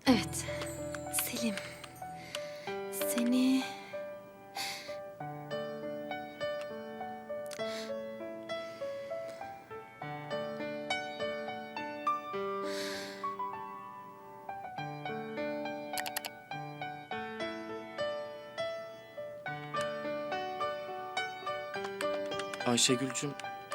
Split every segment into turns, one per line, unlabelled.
Evet. Selim. Seni...
Ayşegül'cüm,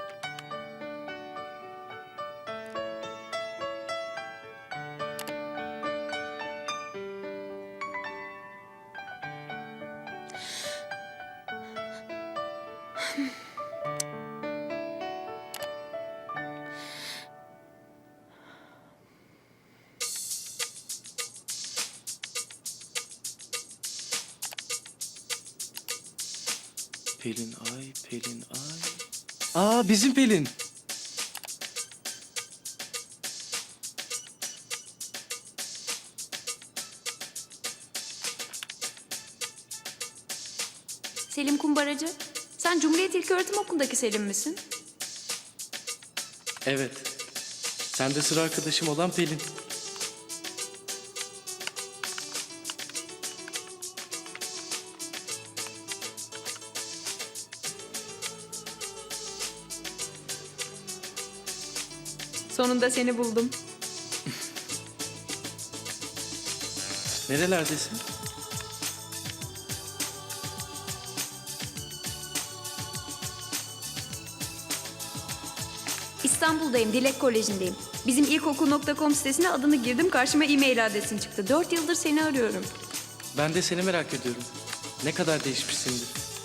Pelin Ay, Pelin Ay. Aa, bizim Pelin.
Selim Kumbaracı. Sen Cumhuriyet İlköğretim Okulu'ndaki Selim misin?
Evet. Sen de sıra arkadaşım olan Pelin.
Sonunda seni buldum.
Nerelerdesin?
İstanbul'dayım, Dilek Koleji'ndeyim. Bizim ilkokul.com sitesine adını girdim, karşıma e-mail adresin çıktı. 4 yıldır seni arıyorum.
Ben de seni merak ediyorum. Ne kadar değişmişsindir.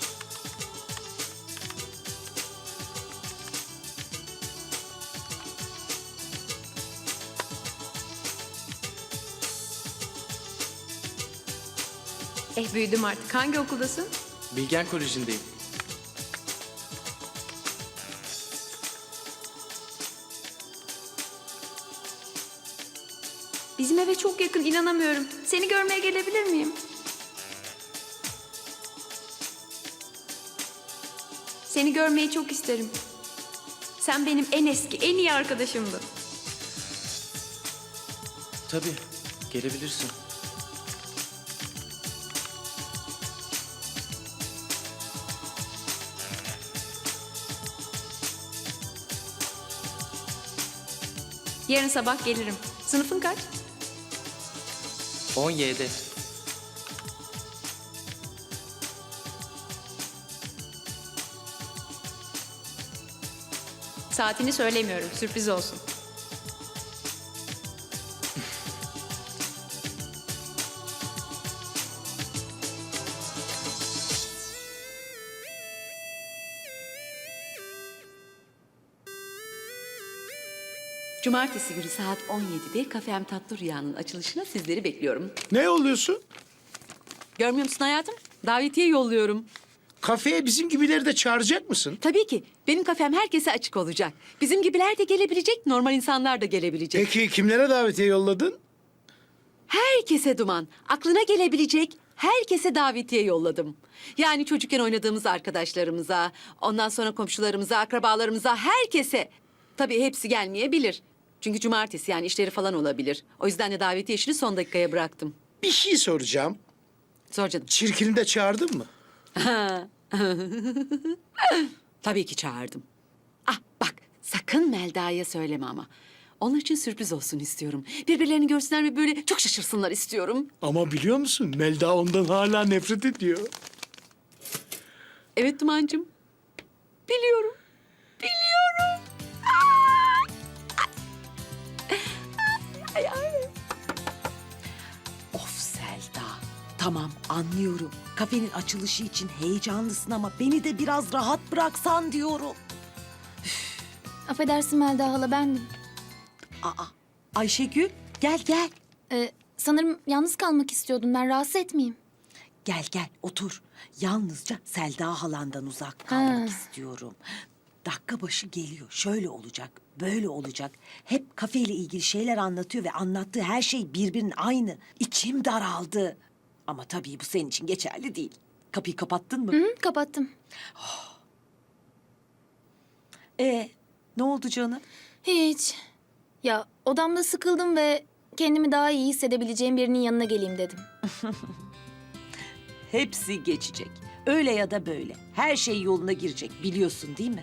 Büyüdüm artık. Hangi okuldasın?
Bilgen Koleji'ndeyim.
Bizim eve çok yakın, inanamıyorum. Seni görmeye gelebilir miyim? Seni görmeyi çok isterim. Sen benim en eski, en iyi arkadaşımdın.
Tabii, gelebilirsin.
Yarın sabah gelirim. Sınıfın kaç?
17.
Saatini söylemiyorum, sürpriz olsun.
Cumartesi günü saat 17'de Kafem Tatlı Rüya'nın açılışına sizleri bekliyorum.
Ne yolluyorsun?
Görmüyor musun hayatım? Davetiye yolluyorum.
Kafeye bizim gibileri de çağıracak mısın?
Tabii ki. Benim kafem herkese açık olacak. Bizim gibiler de gelebilecek, normal insanlar da gelebilecek.
Peki kimlere davetiye yolladın?
Herkese Duman. Aklına gelebilecek herkese davetiye yolladım. Yani çocukken oynadığımız arkadaşlarımıza, ondan sonra komşularımıza, akrabalarımıza, herkese. Tabii hepsi gelmeyebilir. Çünkü cumartesi yani işleri falan olabilir. O yüzden de davetiye işini son dakikaya bıraktım.
Bir şey soracağım.
Sor canım.
Çirkini de çağırdın mı?
Tabii ki çağırdım. Ah bak sakın Melda'ya söyleme ama. Onlar için sürpriz olsun istiyorum. Birbirlerini görsünler ve böyle çok şaşırsınlar istiyorum.
Ama biliyor musun Melda ondan hala nefret ediyor.
Evet Duman'cığım. Biliyorum. Biliyorum. Ay, ay.
Of Selda. Tamam anlıyorum. Kafenin açılışı için heyecanlısın ama beni de biraz rahat bıraksan diyorum.
Affedersin Melda hala bendim.
Aa, Ayşegül gel gel.
Sanırım yalnız kalmak istiyordum, ben rahatsız etmeyeyim.
Gel gel otur. Yalnızca Selda halandan uzak kalmak
Ha.
istiyorum. Dakika başı geliyor. Şöyle olacak, böyle olacak. Hep kafeyle ilgili şeyler anlatıyor ve anlattığı her şey birbirinin aynı. İçim daraldı. Ama tabii bu senin için geçerli değil. Kapıyı kapattın mı?
Hı, kapattım.
Ne oldu canım?
Hiç. Ya odamda sıkıldım ve kendimi daha iyi hissedebileceğim birinin yanına geleyim dedim.
Hepsi geçecek. Öyle ya da böyle. Her şey yoluna girecek biliyorsun değil mi?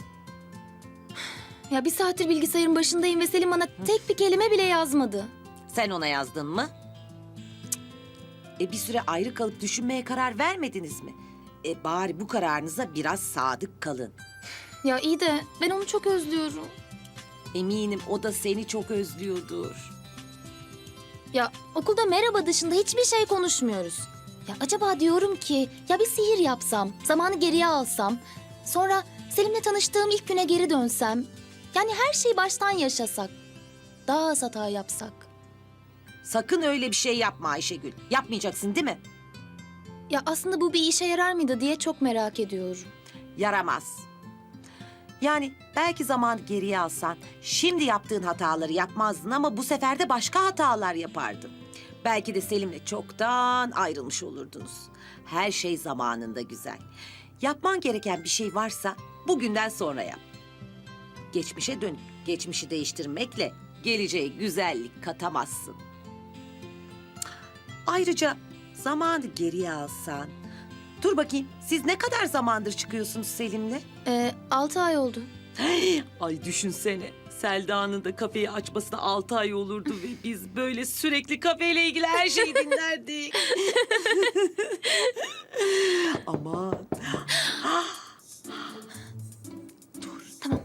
Ya bir saattir bilgisayarın başındayım ve Selim bana tek bir kelime bile yazmadı.
Sen ona yazdın mı? Cık. Bir süre ayrı kalıp düşünmeye karar vermediniz mi? Bari bu kararınıza biraz sadık kalın.
Ya iyi de ben onu çok özlüyorum.
Eminim o da seni çok özlüyordur.
Ya okulda merhaba dışında hiçbir şey konuşmuyoruz. Ya acaba diyorum ki ya bir sihir yapsam, zamanı geriye alsam, sonra Selim'le tanıştığım ilk güne geri dönsem. Yani her şeyi baştan yaşasak, daha az hata yapsak.
Sakın öyle bir şey yapma Ayşegül. Yapmayacaksın değil mi?
Ya aslında bu bir işe yarar mıydı diye çok merak ediyorum.
Yaramaz. Yani belki zamanı geriye alsan şimdi yaptığın hataları yapmazdın ama bu sefer de başka hatalar yapardın. Belki de Selim'le çoktan ayrılmış olurdunuz. Her şey zamanında güzel. Yapman gereken bir şey varsa bugünden sonra yap. Geçmişe dönüp geçmişi değiştirmekle geleceğe güzellik katamazsın. Ayrıca zamanı geriye alsan... Dur bakayım, siz ne kadar zamandır çıkıyorsunuz Selim'le?
6 ay oldu.
Ay düşünsene, Selda'nın da kafeyi açmasına 6 ay olurdu ve biz böyle sürekli kafeyle ilgili her şeyi dinlerdik. Aman.
Tamam.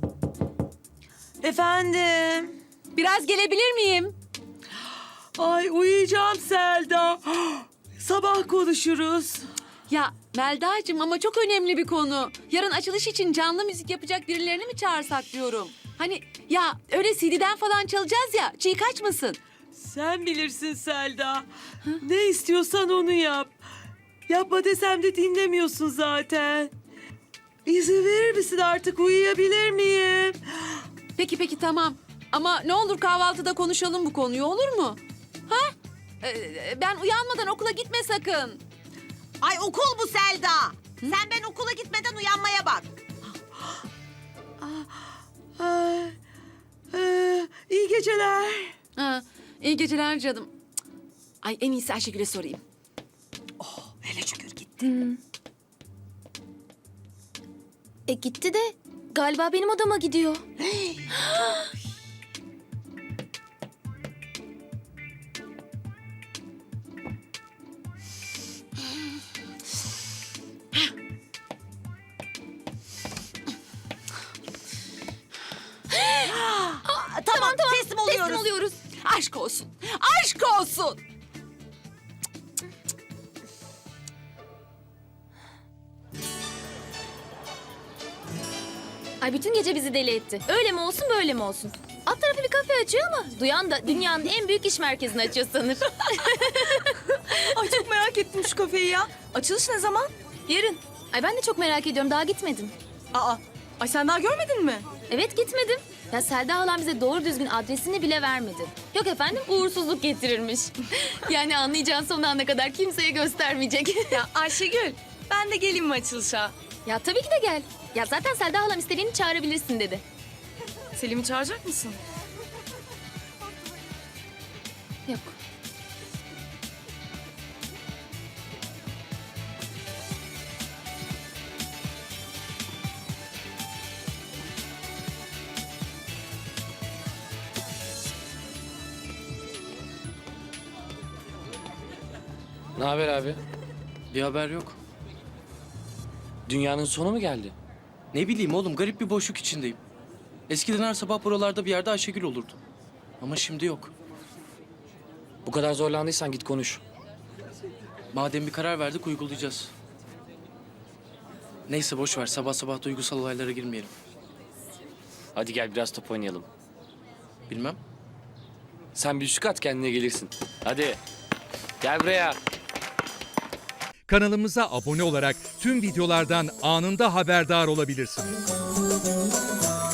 Efendim?
Biraz gelebilir miyim?
Ay uyuyacağım Selda. Sabah konuşuruz.
Ya Melda'cığım ama çok önemli bir konu. Yarın açılış için canlı müzik yapacak birilerini mi çağırsak diyorum. Hani ya öyle CD'den falan çalacağız ya, çiğ kaçmasın.
Sen bilirsin Selda. Ne istiyorsan onu yap. Yapma desem de dinlemiyorsun zaten. İzin verir misin artık uyuyabilir miyim?
Peki tamam. Ama ne olur kahvaltıda konuşalım bu konuyu, olur mu? Ha? Ben uyanmadan okula gitme sakın.
Ay okul bu Selda. Sen ben okula gitmeden uyanmaya bak.
Ay, iyi geceler.
Ha, iyi geceler canım. Cık. Ay en iyisi Ayşegül'e sorayım.
Hele şükür gitti.
Gitti de galiba benim odama gidiyor.
Tamam, teslim oluyoruz.
Teslim oluyoruz.
Aşk olsun. Aşk olsun.
Ay bütün gece bizi deli etti. Öyle mi olsun böyle mi olsun? Alt tarafı bir kafe açıyor ama duyan da dünyanın en büyük iş merkezini açıyor sanır.
Ay çok merak ettim şu kafeyi ya. Açılış ne zaman?
Yarın. Ay ben de çok merak ediyorum, daha gitmedim.
Aa, ay sen daha görmedin mi?
Evet gitmedim. Ya Selda halam bize doğru düzgün adresini bile vermedi. Yok efendim uğursuzluk getirirmiş. Yani anlayacağın son ana kadar kimseye göstermeyecek.
Ya Ayşegül, ben de geleyim mi açılışa?
Ya tabii ki de gel. Ya zaten Selda halam istediğini çağırabilirsin dedi.
Selim'i çağıracak mısın?
Yok.
Ne haber abi?
Bir haber yok.
Dünyanın sonu mu geldi?
Ne bileyim oğlum, garip bir boşluk içindeyim. Eskiden her sabah buralarda bir yerde Ayşegül olurdu. Ama şimdi yok.
Bu kadar zorlandıysan git konuş.
Madem bir karar verdik uygulayacağız. Neyse boş ver, sabah sabah duygusal olaylara girmeyelim.
Hadi gel biraz top oynayalım.
Bilmem.
Sen bir şut at kendine gelirsin. Hadi. Gel buraya.
Kanalımıza abone olarak tüm videolardan anında haberdar olabilirsiniz.